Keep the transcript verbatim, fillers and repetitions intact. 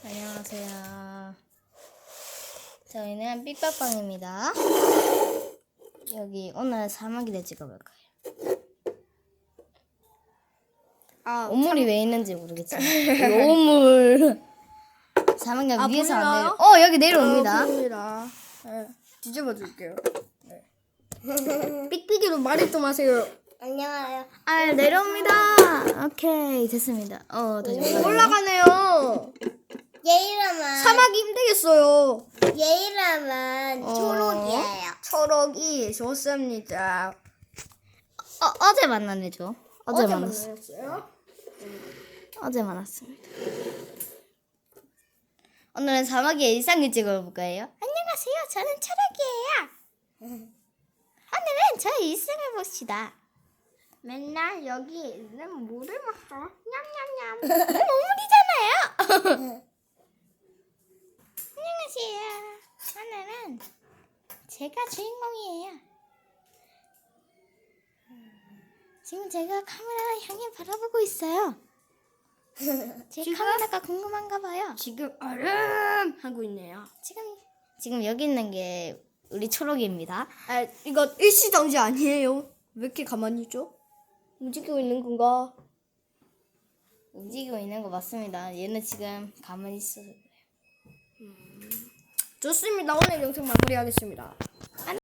안녕하세요. 저희는 삐빠빵입니다. 여기 오늘 사막이를 찍어볼까요? 아, 오물이 왜 있는지 모르겠지만 여기 오물 사막이 아, 위에서 안 내려. 보이나요? 어 여기 내려옵니다. 어, 보입니다. 네, 뒤집어 줄게요. 네. 삑삑이로 말이 좀 하세요. 안녕하세요. 아 내려옵니다. 오케이 됐습니다. 어 다시 올라가네요. 올라가네요. 얘 이름은 사막이 힘들겠어요. 얘 이름은 어. 초록이에요. 초록이 좋습니다. 어 어제 만난 애죠. 어제, 어제 만났어. 만났어요? 어제 만났습니다. 오늘은 사막의 일상을 찍어볼 거예요. 안녕하세요. 저는 초록이에요. 오늘은 저의 일상을 봅시다. 맨날 여기 있는 물을 먹어. 냠냠냠. 오물이잖아요. 안녕하세요. 오늘은 제가 주인공이에요. 지금 제가 카메라를 향해 바라보고 있어요. 제 지금? 카메라가 궁금한가 봐요. 지금 얼음 하고 있네요. 지금 지금 여기 있는 게 우리 초록입니다. 아, 이거 일시정지 아니에요? 왜 이렇게 가만히 있죠? 움직이고 있는 건가? 움직이고 있는 거 맞습니다. 얘는 지금 가만히 있어서 그래요. 좋습니다. 오늘 영상 마무리하겠습니다.